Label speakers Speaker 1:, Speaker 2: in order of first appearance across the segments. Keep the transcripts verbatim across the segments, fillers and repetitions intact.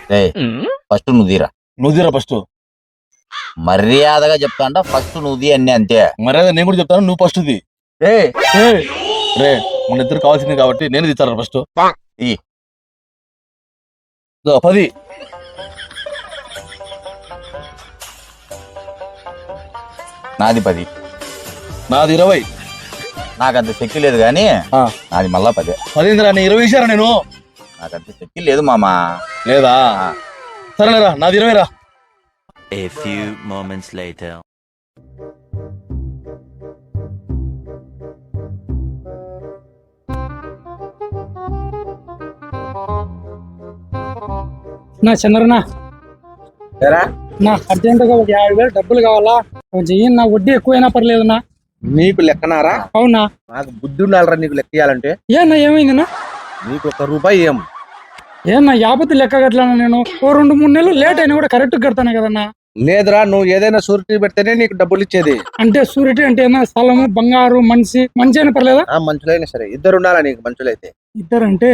Speaker 1: First నువ్వు తీరా
Speaker 2: నువ్వు తీరా ఫస్ట్.
Speaker 1: మర్యాదగా చెప్తాంట ఫస్ట్ నువ్వు తీ అన్ని అంతే.
Speaker 2: మర్యాద నేను కూడా చెప్తాను, నువ్వు ఫస్ట్ తీ.
Speaker 1: ఏయ్
Speaker 2: రే మన ఇద్దరు కావాల్సింది కాబట్టి నేను తీస్తాను ఫస్ట్.
Speaker 1: ఈ
Speaker 2: పది
Speaker 1: నాది పది,
Speaker 2: నాది ఇరవై.
Speaker 1: నాకంత శక్తి లేదు కానీ నాది మళ్ళా పదే.
Speaker 2: పదిందిరా, నేను ఇరవై ఇచ్చారా నేను?
Speaker 1: నాకంత శక్తి లేదు మామా.
Speaker 2: లేదా సరేలేరా, నాది ఇరవై రా.
Speaker 3: A few moments later.
Speaker 4: నా చంద్రనా నా అర్జెంటుగా ఒక యాభై వేలు డబ్బులు కావాలా, కొంచెం ఇయ్యి. నా వడ్డీ ఎక్కువైనా పర్లేదునా.
Speaker 5: నీకు లెక్కనారా?
Speaker 4: అవునా?
Speaker 5: నాకు బుద్ధి ఉండాలరా నీకు లెక్క ఇయ్యాలంటే.
Speaker 4: ఏనా ఏమైందినా?
Speaker 5: నీకు ఒక రూపాయి ఏం
Speaker 4: ఏనా యాపతి లెక్క కట్టలేనా? నేను ఓ రెండు మూడు నెలలు లేట్ అయినా కూడా కరెక్ట్ కడతాను కదన్నా.
Speaker 5: లేదురా, నువ్వు ఏదైనా సూరిటీ పెడితేనే నీకు డబ్బులు ఇచ్చేది.
Speaker 4: అంటే సూరిటీ అంటే ఏమన్నా స్థలము, బంగారు, మనిషి మంచి అయినా పర్లేదా?
Speaker 5: ఆ మంచులైనా సరే, ఇద్దరు ఉండాలా నీకు మంచులైతే.
Speaker 4: ఇద్దరంటే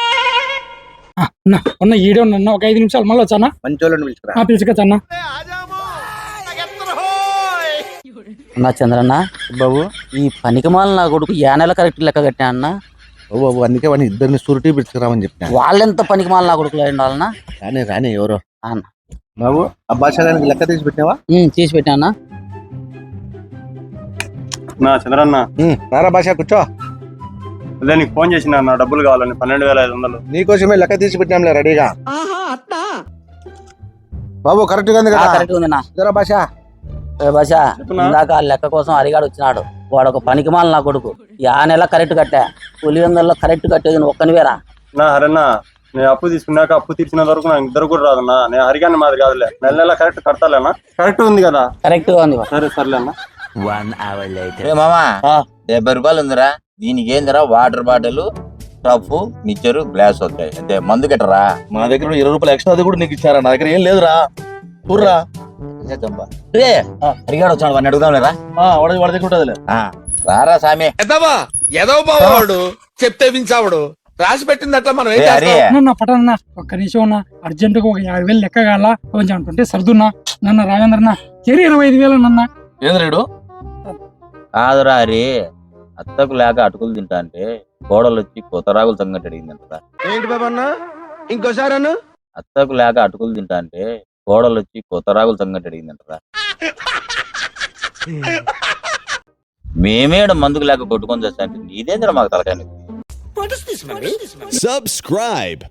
Speaker 4: ఉన్న ఈడే ఉన్నా, ఒక ఐదు నిమిషాలు మళ్ళీ వచ్చానా?
Speaker 5: మంచోళ్ళని పిలుచుకురా.
Speaker 4: పిలుచుకొచ్చన్నా.
Speaker 6: అన్నా చంద్రన్న బాబు, ఈ పనికిమాల నా కొడుకు యా నెల కరెక్ట్ లెక్క కట్టా అన్న.
Speaker 5: ఓ బాబు, అందుకే వాడిని ఇద్దరిని సూరిటీ పిలుచుకురామని చెప్పిన.
Speaker 6: వాళ్ళెంత పనికిమాల నా కొడుకులు ఉండాలన్నా?
Speaker 5: రానే రానే ఎవరో
Speaker 6: అన్న.
Speaker 5: బాబు, ఆ భాషానికి లెక్క తీసి పెట్టినావా?
Speaker 6: తీసి పెట్టా అన్న.
Speaker 7: నా చంద్రన్న
Speaker 5: నారా భాష కూర్చో.
Speaker 7: అదే నీకు ఫోన్ చేసిన నా డబ్బులు కావాలని పన్నెండు వేల ఐదు వందలు.
Speaker 5: నీకోసమే లెక్క తీసి పెట్టినాంలే రెడీగా. బాబు కరెక్ట్ గా ఉంది కదా?
Speaker 6: కరెక్ట్ ఉంది నా
Speaker 5: భాష.
Speaker 6: భాష ఇందాక ఆ లెక్క కోసం అడిగాడు వచ్చినాడు. వాడు ఒక పనికిమాల నా కొడుకు. యా నెల కరెక్ట్ కట్టా, పులి వందల్లో కరెక్ట్ కట్టేది నువ్వు ఒక్కనివేరా.
Speaker 7: నా హరన్నా, నేను అప్పు తీసుకున్నాక అప్పు తీర్చిన వరకు నాకు ఇద్దరు కూడా రాదన్నా. నేను హరిగాన్ని మాది కాదులే, నెల నెల కరెక్ట్ కడతాలేనా? కరెక్ట్ ఉంది కదా?
Speaker 6: కరెక్ట్ గా ఉంది.
Speaker 7: సరే సర్లే అన్న.
Speaker 3: One hour later.
Speaker 1: రే మామా, డెబ్బై రూపాయలు ఉందిరా. దీనికి ఏందిరా, వాటర్ బాటిల్, టఫ్, మిక్చరు, గ్లాస్ వస్తాయి అంతే. మందు కట్టరా.
Speaker 2: మా దగ్గర ఇరవై రూపాయలు ఎక్స్ట్రా అది కూడా నీకు ఇచ్చారా? నా దగ్గర ఏం లేదురా. ఊర్రా
Speaker 1: అడిగాడు వచ్చాడు, వాడిని అడుగుదాం లేదా?
Speaker 2: వాడి వాడి దగ్గర ఉంటుందిలే.
Speaker 1: రారా సామి.
Speaker 8: ఎదవబావాడు చెప్తే వించావాడు, రాసి పెట్టింది అట్లా మనం ఏం చేస్తాం?
Speaker 4: నా పట్టణ ఒక్క నిమిషం ఉన్నా, అర్జెంటుగా ఒక యాభై వేలు లెక్క కావాలా, కొంచెం అంటుంటే సర్దున్నా. నన్న రాజేంద్రన్న చెరి ఇరవై ఐదు వేలు నన్న.
Speaker 2: ఏంది రేడు?
Speaker 1: కాదురా హరి, అత్తకు లేక అటుకులు తింటా అంటే కోడలు వచ్చి కొత్త రాగులు సంగటి అడిగిందంటరా.
Speaker 5: ఏంటి బాబా అన్న, ఇంకోసారి అన్న.
Speaker 1: అత్తకు లేక అటుకులు తింటా అంటే కోడలు వచ్చి కొత్త రాగులు సంగటి అడిగిందంటరా. మేమేడ మందుకు లేక కొట్టుకొని చేస్తా అంటే నీదేంద్ర మాకు తలకాయ.
Speaker 9: Subscribe.